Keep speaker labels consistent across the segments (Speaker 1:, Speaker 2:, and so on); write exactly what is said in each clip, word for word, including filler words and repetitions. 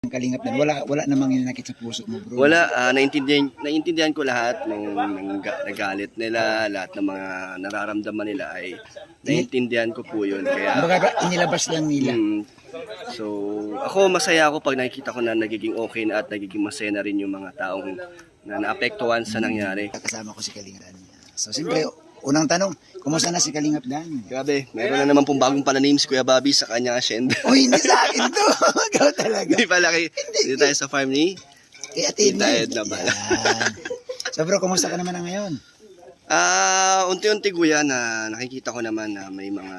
Speaker 1: Kalingap din. Wala wala namang inakit sa puso mo, bro.
Speaker 2: Wala, ah, naiintindihan, naiintindihan ko lahat ng, ng ga- nagalit nila, lahat ng mga nararamdaman nila ay naiintindihan ko po yun. Kaya,
Speaker 1: Kumbaga, inilabas lang nila.
Speaker 2: mm, so, ako masaya ako pag nakikita ko na nagiging okay na at nagiging masaya na rin yung mga taong na naapektuhan sa nangyari.
Speaker 1: Kasama ko si Kalingap Dan. So, siyempre, unang tanong, kumusta na si Kalingap Dan?
Speaker 2: Grabe, meron na naman pong bagong pala-names Kuya Bobby sa kanyang asyenda.
Speaker 1: Uy, hindi sa akin to. Ikaw talaga.
Speaker 2: Hindi pala kay, hindi tayo sa farm ni.
Speaker 1: Kaya Tita
Speaker 2: Edna pala.
Speaker 1: So, bro, kumusta ka naman na ngayon?
Speaker 2: Ah, unti-unti kuya na nakikita ko naman na may mga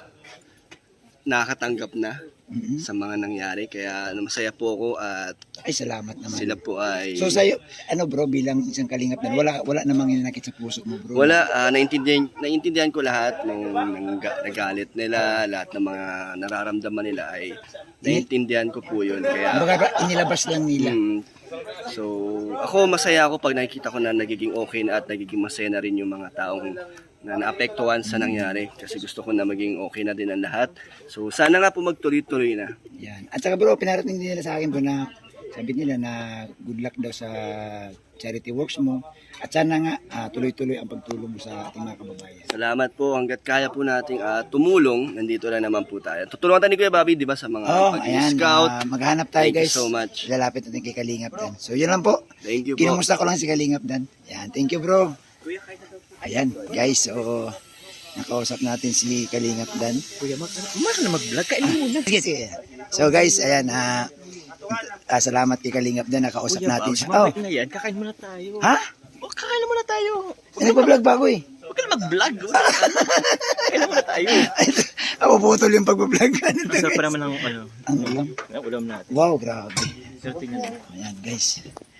Speaker 2: nakakatanggap na
Speaker 1: Mhm.
Speaker 2: sa mga nangyari. Kaya masaya po ako at
Speaker 1: Ay, salamat naman.
Speaker 2: sila po ay...
Speaker 1: So, sa'yo, ano bro, bilang isang Kalingap Dan, wala wala namang inakit sa puso mo, bro.
Speaker 2: Wala, ah, naiintindihan, naiintindihan ko lahat ng, ng ga- nagalit nila, lahat ng mga nararamdaman nila ay naiintindihan ko po yun. Kaya,
Speaker 1: Kumbaga, inilabas lang nila.
Speaker 2: mm, so, ako masaya ako pag nakikita ko na nagiging okay na at nagiging masaya na rin yung mga taong na naapektuhan sa nangyari. Kasi gusto ko na maging okay na din ang lahat. So, sana nga po magtuloy-tuloy na.
Speaker 1: Yan. At saka bro, pinarating din nila sa akin bro na sabi nila na good luck daw sa charity works mo. At sana nga ah, tuloy-tuloy ang pagtulong mo sa ating mga kababayan.
Speaker 2: Salamat po. Hanggat kaya po nating ah, tumulong, nandito lang naman po tayo. Tutulungan tayo ni Kuya Bobby, di ba, sa mga
Speaker 1: Oh, ayan.
Speaker 2: pag-scout.
Speaker 1: ah, maghanap tayo
Speaker 2: Thank you
Speaker 1: guys.
Speaker 2: so much.
Speaker 1: Lalapit natin kay Kalingap Dan. So yun lang po.
Speaker 2: Thank you po.
Speaker 1: Kinumusta ko lang si Kalingap Dan. Yan. Thank you bro. Ayan guys. So nakausap natin si Kalingap Dan.
Speaker 3: Kuya, mag mag na mag-vlog ka muna.
Speaker 1: Sige, sige. So guys, ayan. ah ah, salamat kay Kalingap Dan. Nakausap natin siya. Oh.
Speaker 3: Mamaya na yan, kakain muna tayo.
Speaker 1: Ha?
Speaker 3: O, kakain na muna tayo.
Speaker 1: Nagpa-vlog ba ako eh?
Speaker 3: Huwag ka na mag-vlog. Kakain na muna tayo.
Speaker 1: Ako putol yung pag-vlog.
Speaker 3: Masarap pa naman ang ano,
Speaker 1: Ang ulam.
Speaker 3: ang ulam natin.
Speaker 1: Wow, grabe.
Speaker 3: Pero tingnan mo.
Speaker 1: Ayan, guys.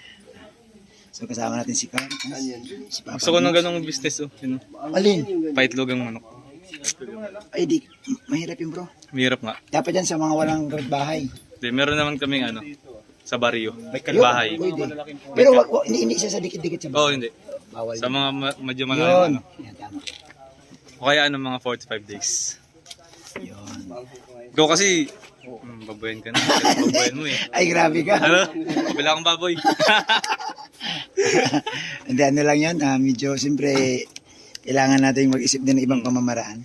Speaker 1: So, kasama natin si Carl. Si Papa.
Speaker 4: Gusto ko ng ganong business, oh. Yun,
Speaker 1: Alin?
Speaker 4: paitlog ang manok.
Speaker 1: Ay, di. Mahirap yun, bro.
Speaker 4: Mahirap nga.
Speaker 1: Dapat yan sa mga walang bahay.
Speaker 4: Di, meron naman kaming ano, sa baryo.
Speaker 1: Yun,
Speaker 4: Bahay.
Speaker 1: pwede. Pero wag, wag, hindi, hindi siya sa dikit-dikit sa
Speaker 4: Oo, oh,
Speaker 1: bahay.
Speaker 4: hindi.
Speaker 1: Bawal.
Speaker 4: Sa mga ma- medyo
Speaker 1: Yun.
Speaker 4: malayo, ano.
Speaker 1: Yan, tama.
Speaker 4: O kaya ano, mga forty-five days.
Speaker 1: Yun.
Speaker 4: Go kasi, hmm, baboyan ka na. Kasi baboyan mo eh.
Speaker 1: Ay, grabe ka.
Speaker 4: Ano? Kabila akong baboy.
Speaker 1: Hindi, ano lang yan. Ah, medyo, siyempre, kailangan natin mag-isip din ng ibang pamamaraan.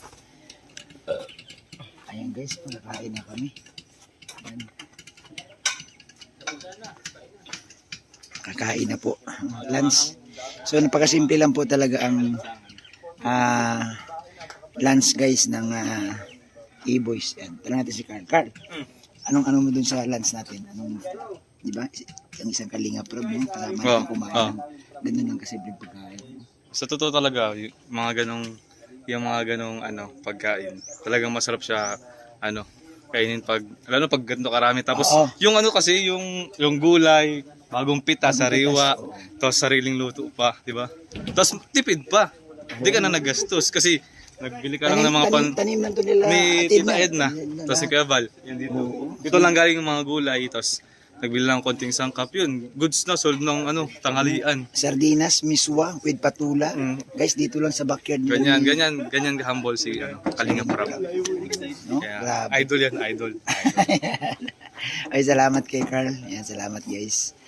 Speaker 1: Ayan guys, nakain na kami. Ayan. Kakain na po. Lunch. So, napakasimple lang po talaga ang ah lunch guys ng uh, E-Boys. Ayan. Tanong natin si Carl. Carl, anong ano mo dun sa lunch natin? Anong, di ba? Ang isang Kalingap Rob, no? Kasama
Speaker 4: Oo,
Speaker 1: natin kumain.
Speaker 4: oo.
Speaker 1: Ganun lang kasimple pagkain.
Speaker 4: Sa totoo talaga, y- mga ganong, yung mga ganong ano, pagkain. Talagang masarap siya, ano, kainin pag, lalo pag ganito karami. Tapos,
Speaker 1: Oo.
Speaker 4: yung ano kasi, yung, yung gulay, bagong pita, sariwa,
Speaker 1: oo.
Speaker 4: tapos sariling luto pa, di ba? Tapos tipid pa. Hindi ka na nagastos kasi nagbili ka lang ng mga pan...
Speaker 1: tanim, tanim lang to nila.
Speaker 4: Ni
Speaker 1: Atin
Speaker 4: Tita
Speaker 1: na.
Speaker 4: Edna, tapos si Kuya Val, yun dito. Dito lang galing yung mga gulay, tapos nagbili lang konting sangkap yun. Goods na, sold ng ano, tanghalian.
Speaker 1: Sardinas, miswa, with patula.
Speaker 4: Mm.
Speaker 1: Guys, dito lang sa backyard. ni
Speaker 4: Ganyan,
Speaker 1: Umi.
Speaker 4: ganyan, ganyan humble si ano, Kalingap Rob.
Speaker 1: No?
Speaker 4: Kaya,
Speaker 1: Grabe.
Speaker 4: idol yan, idol.
Speaker 1: Ay, salamat kay Carl. Ayan, salamat guys.